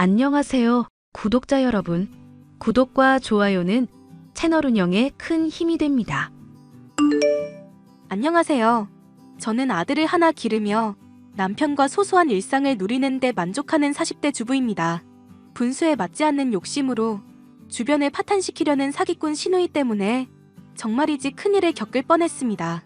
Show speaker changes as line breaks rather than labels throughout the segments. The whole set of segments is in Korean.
안녕하세요, 구독자 여러분. 구독과 좋아요는 채널 운영에 큰 힘이 됩니다.
안녕하세요. 저는 아들을 하나 기르며 남편과 소소한 일상을 누리는 데 만족하는 40대 주부입니다. 분수에 맞지 않는 욕심으로 주변을 파탄시키려는 사기꾼 시누이 때문에 정말이지 큰일을 겪을 뻔했습니다.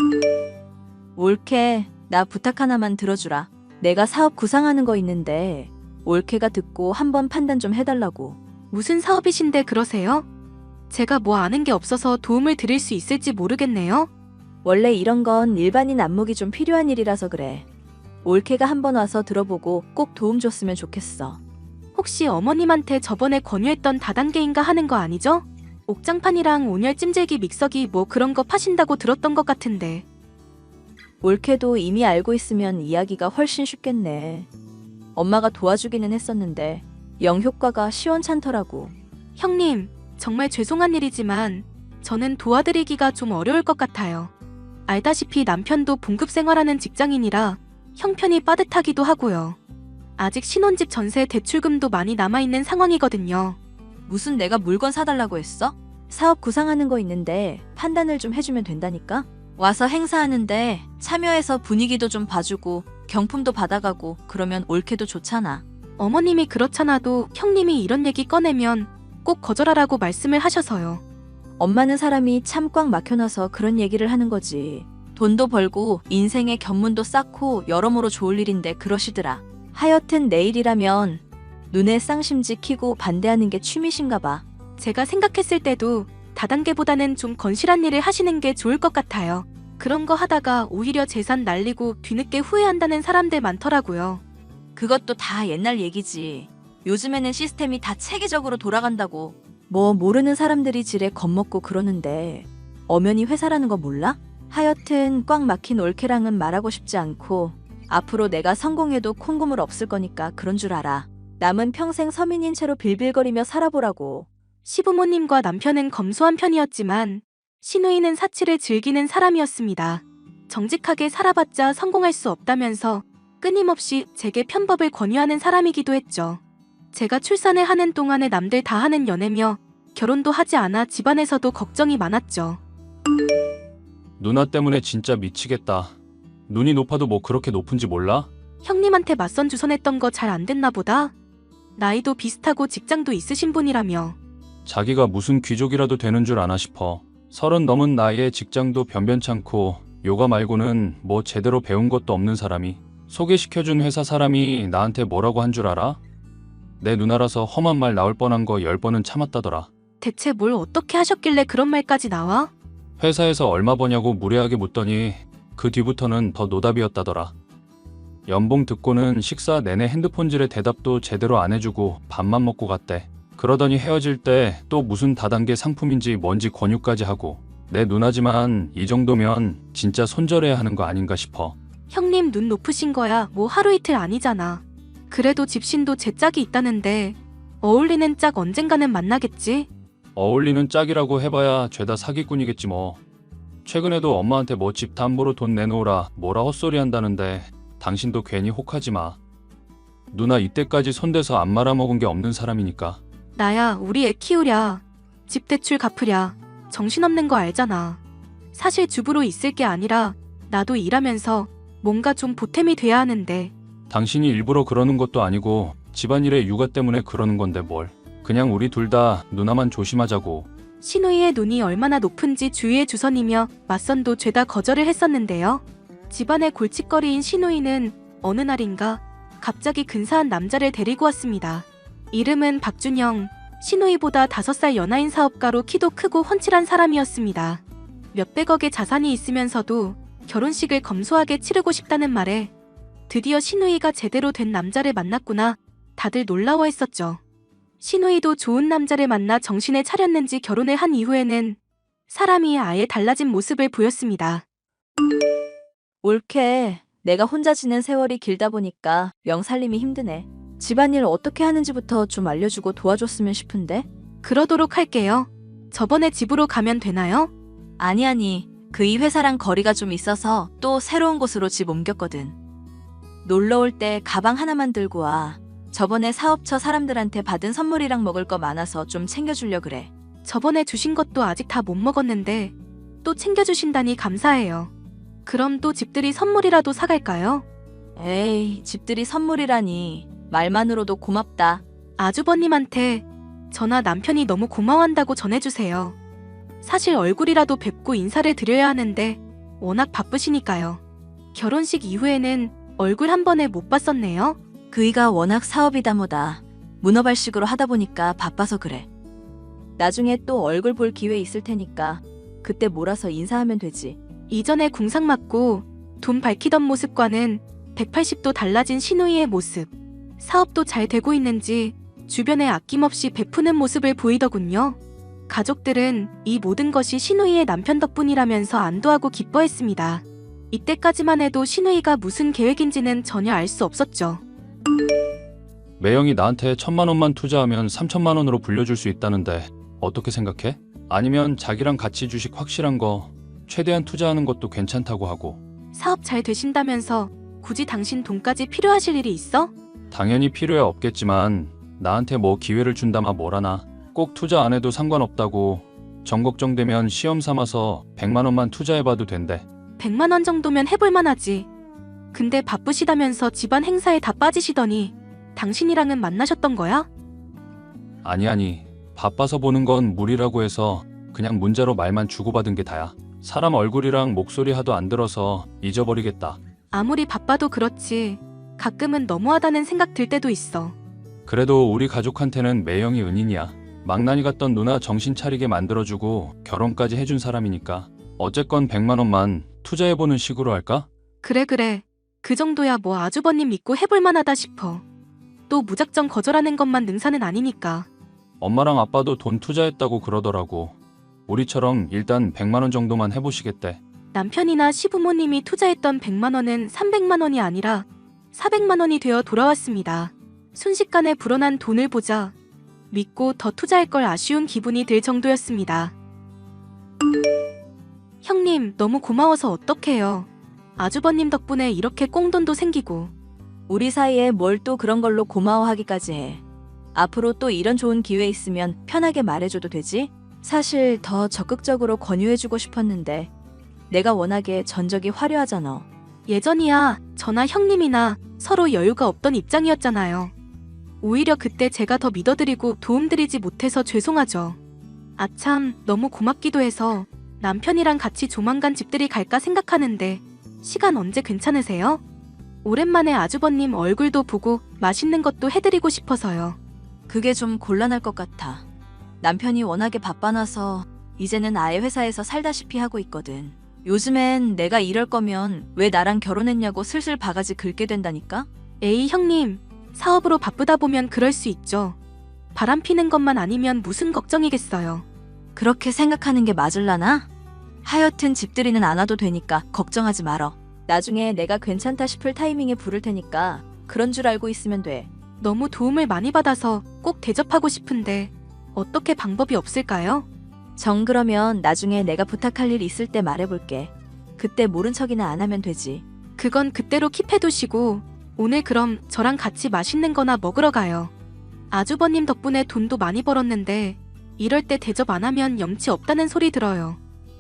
올케, 나 부탁 하나만 들어주라. 내가 사업 구상하는 거 있는데 올케가 듣고 한번 판단 좀 해달라고.
무슨 사업이신데 그러세요? 제가 뭐 아는 게 없어서 도움을 드릴 수 있을지 모르겠네요.
원래 이런 건 일반인 안목이 좀 필요한 일이라서 그래. 올케가 한번 와서 들어보고 꼭 도움 줬으면 좋겠어.
혹시 어머님한테 저번에 권유했던 다단계인가 하는 거 아니죠? 옥장판이랑 온열 찜질기 믹서기 뭐 그런 거 파신다고 들었던 것 같은데.
올케도 이미 알고 있으면 이야기가 훨씬 쉽겠네. 엄마가 도와주기는 했었는데 영 효과가 시원찮더라고.
형님, 정말 죄송한 일이지만 저는 도와드리기가 좀 어려울 것 같아요. 알다시피 남편도 봉급 생활하는 직장인이라 형편이 빠듯하기도 하고요. 아직 신혼집 전세 대출금도 많이 남아있는 상황이거든요.
무슨 내가 물건 사달라고 했어? 사업 구상하는 거 있는데 판단을 좀 해주면 된다니까? 와서 행사하는데 참여해서 분위기도 좀 봐주고 경품도 받아가고 그러면 올케도 좋잖아.
어머님이 그렇잖아도 형님이 이런 얘기 꺼내면 꼭 거절하라고 말씀을 하셔서요.
엄마는 사람이 참 꽉 막혀놔서 그런 얘기를 하는 거지. 돈도 벌고 인생의 견문도 쌓고 여러모로 좋을 일인데 그러시더라. 하여튼 내일이라면 눈에 쌍심지 키고 반대하는 게 취미신가 봐.
제가 생각했을 때도 다단계보다는 좀 건실한 일을 하시는 게 좋을 것 같아요. 그런 거 하다가 오히려 재산 날리고 뒤늦게 후회한다는 사람들 많더라고요.
그것도 다 옛날 얘기지. 요즘에는 시스템이 다 체계적으로 돌아간다고. 뭐 모르는 사람들이 지레 겁먹고 그러는데 엄연히 회사라는 거 몰라? 하여튼 꽉 막힌 올케랑은 말하고 싶지 않고 앞으로 내가 성공해도 콩고물 없을 거니까 그런 줄 알아. 남은 평생 서민인 채로 빌빌거리며 살아보라고.
시부모님과 남편은 검소한 편이었지만 시누이는 사치를 즐기는 사람이었습니다. 정직하게 살아봤자 성공할 수 없다면서 끊임없이 제게 편법을 권유하는 사람이기도 했죠. 제가 출산을 하는 동안에 남들 다 하는 연애며 결혼도 하지 않아 집안에서도 걱정이 많았죠.
누나 때문에 진짜 미치겠다. 눈이 높아도 뭐 그렇게 높은지 몰라?
형님한테 맞선 주선했던 거 잘 안 됐나 보다. 나이도 비슷하고 직장도 있으신 분이라며.
자기가 무슨 귀족이라도 되는 줄 아나 싶어. 30 넘은 나이에 직장도 변변찮고 요가 말고는 뭐 제대로 배운 것도 없는 사람이 소개시켜준 회사 사람이 나한테 뭐라고 한 줄 알아? 내 누나라서 험한 말 나올 뻔한 거 10번은 참았다더라.
대체 뭘 어떻게 하셨길래 그런 말까지 나와?
회사에서 얼마 버냐고 무례하게 묻더니 그 뒤부터는 더 노답이었다더라. 연봉 듣고는 식사 내내 핸드폰질에 대답도 제대로 안 해주고 밥만 먹고 갔대. 그러더니 헤어질 때 또 무슨 다단계 상품인지 뭔지 권유까지 하고. 내 누나지만 이 정도면 진짜 손절해야 하는 거 아닌가 싶어.
형님 눈 높으신 거야 뭐 하루 이틀 아니잖아. 그래도 집신도 제 짝이 있다는데 어울리는 짝 언젠가는 만나겠지?
어울리는 짝이라고 해봐야 죄다 사기꾼이겠지 뭐. 최근에도 엄마한테 뭐 집 담보로 돈 내놓으라 뭐라 헛소리 한다는데 당신도 괜히 혹하지 마. 누나 이때까지 손대서 안 말아먹은 게 없는 사람이니까.
나야 우리 애 키우랴 집 대출 갚으랴 정신없는 거 알잖아. 사실 주부로 있을 게 아니라 나도 일하면서 뭔가 좀 보탬이 돼야 하는데.
당신이 일부러 그러는 것도 아니고 집안일에 육아 때문에 그러는 건데 뭘. 그냥 우리 둘 다 누나만 조심하자고.
시누이의 눈이 얼마나 높은지 주위에 주선이며 맞선도 죄다 거절을 했었는데요. 집안의 골칫거리인 시누이는 어느 날인가 갑자기 근사한 남자를 데리고 왔습니다. 이름은 박준영, 시누이보다 5살 연하인 사업가로 키도 크고 훤칠한 사람이었습니다. 몇백억의 자산이 있으면서도 결혼식을 검소하게 치르고 싶다는 말에 드디어 시누이가 제대로 된 남자를 만났구나 다들 놀라워했었죠. 시누이도 좋은 남자를 만나 정신을 차렸는지 결혼을 한 이후에는 사람이 아예 달라진 모습을 보였습니다.
올케, 내가 혼자 지낸 세월이 길다 보니까 명살림이 힘드네. 집안일 어떻게 하는지부터 좀 알려주고 도와줬으면 싶은데?
그러도록 할게요. 저번에 집으로 가면 되나요?
아니, 그 이 회사랑 거리가 좀 있어서 또 새로운 곳으로 집 옮겼거든. 놀러 올 때 가방 하나만 들고 와. 저번에 사업처 사람들한테 받은 선물이랑 먹을 거 많아서 좀 챙겨주려 그래.
저번에 주신 것도 아직 다 못 먹었는데 또 챙겨주신다니 감사해요. 그럼 또 집들이 선물이라도 사갈까요?
에이, 집들이 선물이라니. 말만으로도 고맙다.
아주버님한테 저나 남편이 너무 고마워한다고 전해주세요. 사실 얼굴이라도 뵙고 인사를 드려야 하는데 워낙 바쁘시니까요. 결혼식 이후에는 얼굴 한 번에 못 봤었네요.
그이가 워낙 사업이다 뭐다. 문어발식으로 하다 보니까 바빠서 그래. 나중에 또 얼굴 볼 기회 있을 테니까 그때 몰아서 인사하면 되지.
이전에 궁상 맞고 돈 밝히던 모습과는 180도 달라진 신우이의 모습. 사업도 잘 되고 있는지 주변에 아낌없이 베푸는 모습을 보이더군요. 가족들은 이 모든 것이 신우이의 남편 덕분이라면서 안도하고 기뻐했습니다. 이때까지만 해도 신우이가 무슨 계획인지는 전혀 알 수 없었죠.
매형이 나한테 1,000만 원만 투자하면 3,000만 원으로 불려줄 수 있다는데 어떻게 생각해? 아니면 자기랑 같이 주식 확실한 거 최대한 투자하는 것도 괜찮다고 하고.
사업 잘 되신다면서 굳이 당신 돈까지 필요하실 일이 있어?
당연히 필요해 없겠지만 나한테 뭐 기회를 준다마 뭐라나. 꼭 투자 안 해도 상관없다고. 정 걱정되면 시험 삼아서 100만 원만 투자해봐도 된대.
100만 원 정도면 해볼만 하지. 근데 바쁘시다면서 집안 행사에 다 빠지시더니 당신이랑은 만나셨던 거야?
아니 바빠서 보는 건 무리라고 해서 그냥 문자로 말만 주고받은 게 다야. 사람 얼굴이랑 목소리 하도 안 들어서 잊어버리겠다.
아무리 바빠도 그렇지 가끔은 너무하다는 생각 들 때도 있어.
그래도 우리 가족한테는 매형이 은인이야. 망나니 같던 누나 정신 차리게 만들어주고 결혼까지 해준 사람이니까 어쨌건 100만 원만 투자해보는 식으로 할까?
그래. 그 정도야 뭐 아주버님 믿고 해볼만 하다 싶어. 또 무작정 거절하는 것만 능사는 아니니까.
엄마랑 아빠도 돈 투자했다고 그러더라고. 우리처럼 일단 100만 원 정도만 해보시겠대.
남편이나 시부모님이 투자했던 100만 원은 300만 원이 아니라 400만 원이 되어 돌아왔습니다. 순식간에 불어난 돈을 보자 믿고 더 투자할 걸 아쉬운 기분이 들 정도였습니다. 형님 너무 고마워서 어떡해요. 아주버님 덕분에 이렇게 꽁돈도 생기고.
우리 사이에 뭘 또 그런 걸로 고마워하기까지 해. 앞으로 또 이런 좋은 기회 있으면 편하게 말해줘도 되지? 사실 더 적극적으로 권유해주고 싶었는데 내가 워낙에 전적이 화려하잖아.
예전이야 저나 형님이나 서로 여유가 없던 입장이었잖아요. 오히려 그때 제가 더 믿어드리고 도움드리지 못해서 죄송하죠. 아참 너무 고맙기도 해서 남편이랑 같이 조만간 집들이 갈까 생각하는데 시간 언제 괜찮으세요? 오랜만에 아주버님 얼굴도 보고 맛있는 것도 해드리고 싶어서요.
그게 좀 곤란할 것 같아. 남편이 워낙에 바빠놔서 이제는 아예 회사에서 살다시피 하고 있거든. 요즘엔 내가 이럴 거면 왜 나랑 결혼했냐고 슬슬 바가지 긁게 된다니까?
에이 형님, 사업으로 바쁘다 보면 그럴 수 있죠. 바람 피는 것만 아니면 무슨 걱정이겠어요.
그렇게 생각하는 게 맞을라나? 하여튼 집들이는 안 와도 되니까 걱정하지 말어. 나중에 내가 괜찮다 싶을 타이밍에 부를 테니까 그런 줄 알고 있으면 돼.
너무 도움을 많이 받아서 꼭 대접하고 싶은데 어떻게 방법이 없을까요?
정 그러면 나중에 내가 부탁할 일 있을 때 말해볼게. 그때 모른 척이나 안 하면 되지.
그건 그때로 킵해두시고 오늘 그럼 저랑 같이 맛있는 거나 먹으러 가요. 아주버님 덕분에 돈도 많이 벌었는데 이럴 때 대접 안 하면 염치 없다는 소리 들어요.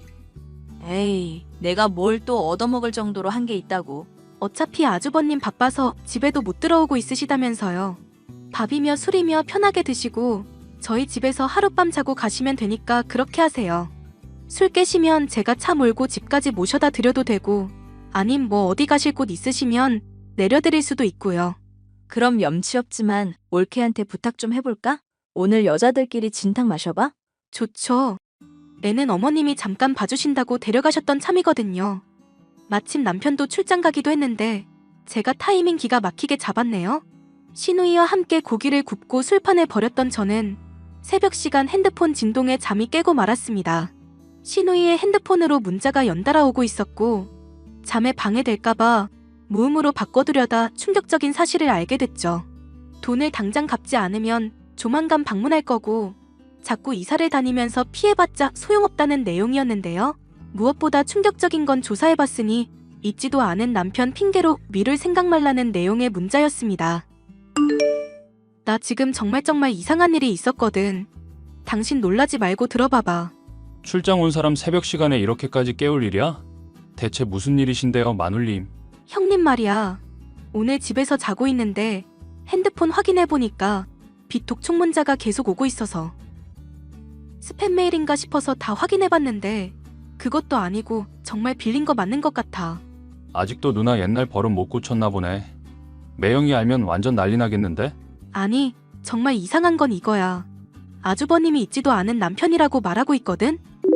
에이, 내가 뭘 또 얻어먹을 정도로 한 게 있다고.
어차피 아주버님 바빠서 집에도 못 들어오고 있으시다면서요. 밥이며 술이며 편하게 드시고 저희 집에서 하룻밤 자고 가시면 되니까 그렇게 하세요. 술 깨시면 제가 차 몰고 집까지 모셔다 드려도 되고 아님 뭐 어디 가실 곳 있으시면 내려드릴 수도 있고요.
그럼 염치 없지만 올케한테 부탁 좀 해볼까? 오늘 여자들끼리 진탕 마셔봐?
좋죠. 애는 어머님이 잠깐 봐주신다고 데려가셨던 참이거든요. 마침 남편도 출장 가기도 했는데 제가 타이밍 기가 막히게 잡았네요. 시누이와 함께 고기를 굽고 술판에 버렸던 저는 새벽 시간 핸드폰 진동에 잠이 깨고 말았습니다. 시누이의 핸드폰으로 문자가 연달아 오고 있었고 잠에 방해될까봐 무음으로 바꿔두려다 충격적인 사실을 알게 됐죠. 돈을 당장 갚지 않으면 조만간 방문할 거고 자꾸 이사를 다니면서 피해봤자 소용없다는 내용이었는데요. 무엇보다 충격적인 건 조사해봤으니 잊지도 않은 남편 핑계로 미룰 생각 말라는 내용의 문자였습니다. 나 지금 정말 이상한 일이 있었거든. 당신 놀라지 말고 들어봐봐.
출장 온 사람 새벽 시간에 이렇게까지 깨울 일이야? 대체 무슨 일이신데요, 마눌님?
형님 말이야. 오늘 집에서 자고 있는데 핸드폰 확인해보니까 비톡 문자가 계속 오고 있어서 스팸 메일인가 싶어서 다 확인해봤는데 그것도 아니고 정말 빌린 거 맞는 것 같아.
아직도 누나 옛날 버릇 못 고쳤나 보네. 매형이 알면 완전 난리 나겠는데?
아니, 정말 이상한 건 이거야. 아주버님이 있지도 않은 남편이라고 말하고 있거든?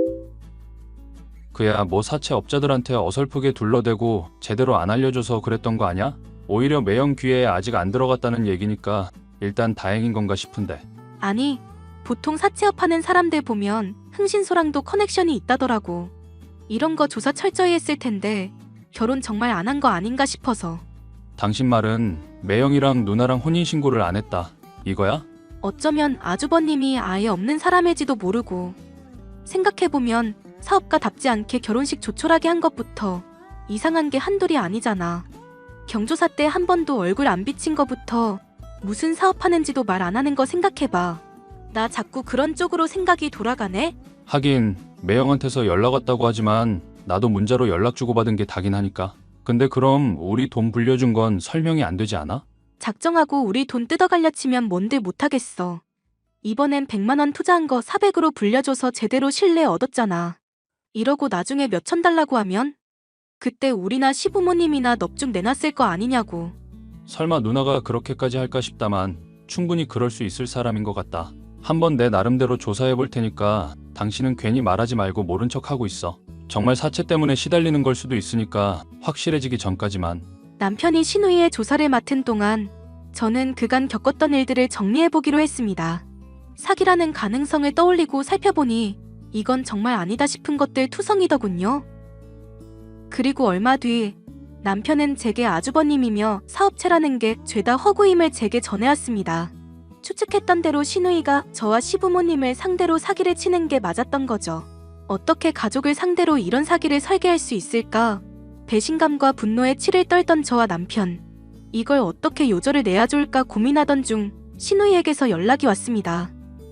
그야 뭐 사채업자들한테 어설프게 둘러대고 제대로 안 알려줘서 그랬던 거 아냐? 오히려 매형 귀에 아직 안 들어갔다는 얘기니까 일단 다행인 건가 싶은데.
아니, 보통 사채업 하는 사람들 보면 흥신소랑도 커넥션이 있다더라고. 이런 거 조사 철저히 했을 텐데 결혼 정말 안 한 거 아닌가 싶어서.
당신 말은 매형이랑 누나랑 혼인신고를 안 했다, 이거야?
어쩌면 아주버님이 아예 없는 사람일지도 모르고. 생각해보면 사업가답지 않게 결혼식 조촐하게 한 것부터 이상한 게 한둘이 아니잖아. 경조사 때 한 번도 얼굴 안 비친 거부터 무슨 사업하는지도 말 안 하는 거 생각해봐. 나 자꾸 그런 쪽으로 생각이 돌아가네?
하긴 매형한테서 연락 왔다고 하지만 나도 문자로 연락 주고받은 게 다긴 하니까. 근데 그럼 우리 돈 불려준 건 설명이 안 되지 않아?
작정하고 우리 돈 뜯어갈려 치면 뭔들 못하겠어. 이번엔 100만 원 투자한 거 400으로 불려줘서 제대로 신뢰 얻었잖아. 이러고 나중에 몇천 달라고 하면? 그때 우리나 시부모님이나 넙죽 내놨을 거 아니냐고.
설마 누나가 그렇게까지 할까 싶다만 충분히 그럴 수 있을 사람인 것 같다. 한번 내 나름대로 조사해 볼 테니까 당신은 괜히 말하지 말고 모른 척 하고 있어. 정말 사채 때문에 시달리는 걸 수도 있으니까 확실해지기 전까지만.
남편이 신우이의 조사를 맡은 동안 저는 그간 겪었던 일들을 정리해보기로 했습니다. 사기라는 가능성을 떠올리고 살펴보니 이건 정말 아니다 싶은 것들 투성이더군요. 그리고 얼마 뒤 남편은 제게 아주버님이며 사업체라는 게 죄다 허구임을 제게 전해왔습니다. 추측했던 대로 신우이가 저와 시부모님을 상대로 사기를 치는 게 맞았던 거죠. 어떻게 가족을 상대로 이런 사기를 설계할 수 있을까? 배신감과 분노에 치를 떨던 저와 남편. 이걸 어떻게 요절을 내야 좋을까 고민하던 중 신우이에게서 연락이 왔습니다.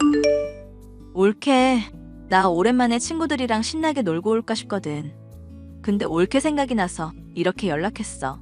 올케, 나 오랜만에 친구들이랑 신나게 놀고 올까 싶거든. 근데 올케 생각이 나서 이렇게 연락했어.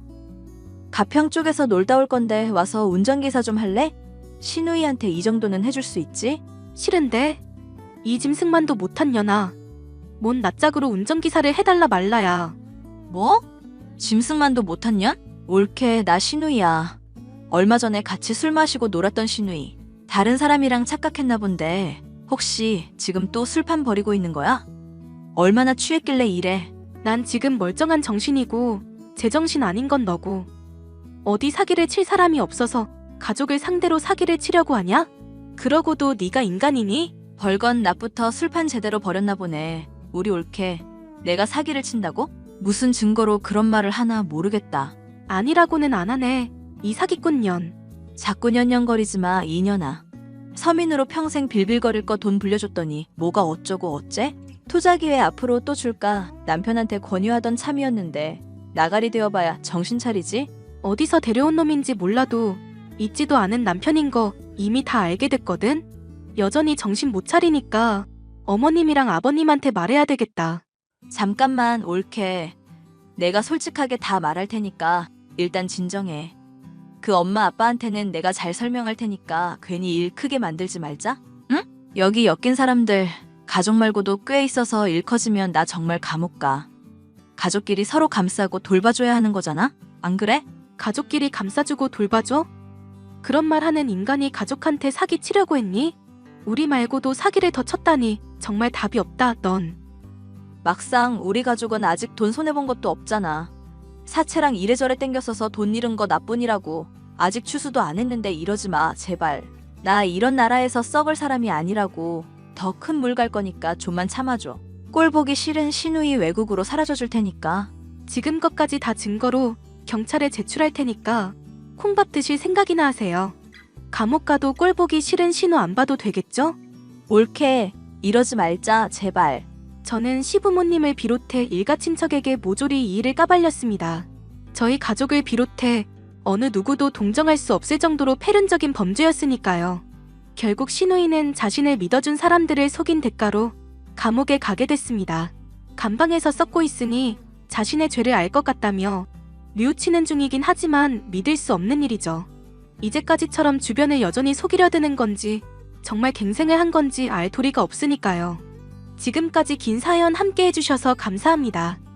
가평 쪽에서 놀다 올 건데 와서 운전기사 좀 할래? 신우이한테 이 정도는 해줄 수 있지?
싫은데? 이 짐승만도 못한 년아. 뭔 낯짝으로 운전기사를 해달라 말라야.
뭐? 짐승만도 못한 년? 올케, 나 신우이야. 얼마 전에 같이 술 마시고 놀았던 신우이. 다른 사람이랑 착각했나 본데 혹시 지금 또 술판 버리고 있는 거야? 얼마나 취했길래 이래?
난 지금 멀쩡한 정신이고 제정신 아닌 건 너고. 어디 사기를 칠 사람이 없어서 가족을 상대로 사기를 치려고 하냐? 그러고도 네가 인간이니?
벌건 낮부터 술판 제대로 버렸나 보네. 우리 올케, 내가 사기를 친다고? 무슨 증거로 그런 말을 하나 모르겠다.
아니라고는 안 하네. 이 사기꾼 년.
자꾸 년년거리지 마, 이년아. 서민으로 평생 빌빌거릴 거 돈 불려줬더니 뭐가 어쩌고 어째? 투자 기회 앞으로 또 줄까 남편한테 권유하던 참이었는데 나가리 되어봐야 정신 차리지?
어디서 데려온 놈인지 몰라도 있지도 않은 남편인 거 이미 다 알게 됐거든? 여전히 정신 못 차리니까 어머님이랑 아버님한테 말해야 되겠다.
잠깐만 올케. 내가 솔직하게 다 말할 테니까 일단 진정해. 그 엄마 아빠한테는 내가 잘 설명할 테니까 괜히 일 크게 만들지 말자. 응? 여기 엮인 사람들 가족 말고도 꽤 있어서 일 커지면 나 정말 감옥 가. 가족끼리 서로 감싸고 돌봐줘야 하는 거잖아? 안 그래?
가족끼리 감싸주고 돌봐줘? 그런 말 하는 인간이 가족한테 사기 치려고 했니? 우리 말고도 사기를 더 쳤다니 정말 답이 없다, 넌.
막상 우리 가족은 아직 돈 손해본 것도 없잖아. 사채랑 이래저래 땡겼어서 돈 잃은 거 나뿐이라고. 아직 추수도 안 했는데 이러지 마, 제발. 나 이런 나라에서 썩을 사람이 아니라고. 더 큰 물 갈 거니까 좀만 참아줘. 꼴 보기 싫은 신우이 외국으로 사라져 줄 테니까.
지금 것까지 다 증거로 경찰에 제출할 테니까 콩밥 드실 생각이나 하세요. 감옥 가도 꼴 보기 싫은 신우 안 봐도 되겠죠?
올케, 이러지 말자, 제발.
저는 시부모님을 비롯해 일가 친척에게 모조리 이 일을 까발렸습니다. 저희 가족을 비롯해 어느 누구도 동정할 수 없을 정도로 패륜적인 범죄였으니까요. 결국 신우이는 자신을 믿어준 사람들을 속인 대가로 감옥에 가게 됐습니다. 감방에서 썩고 있으니 자신의 죄를 알 것 같다며 뉘우치는 중이긴 하지만 믿을 수 없는 일이죠. 이제까지처럼 주변을 여전히 속이려 드는 건지 정말 갱생을 한 건지 알 도리가 없으니까요. 지금까지 긴 사연 함께 해주셔서 감사합니다.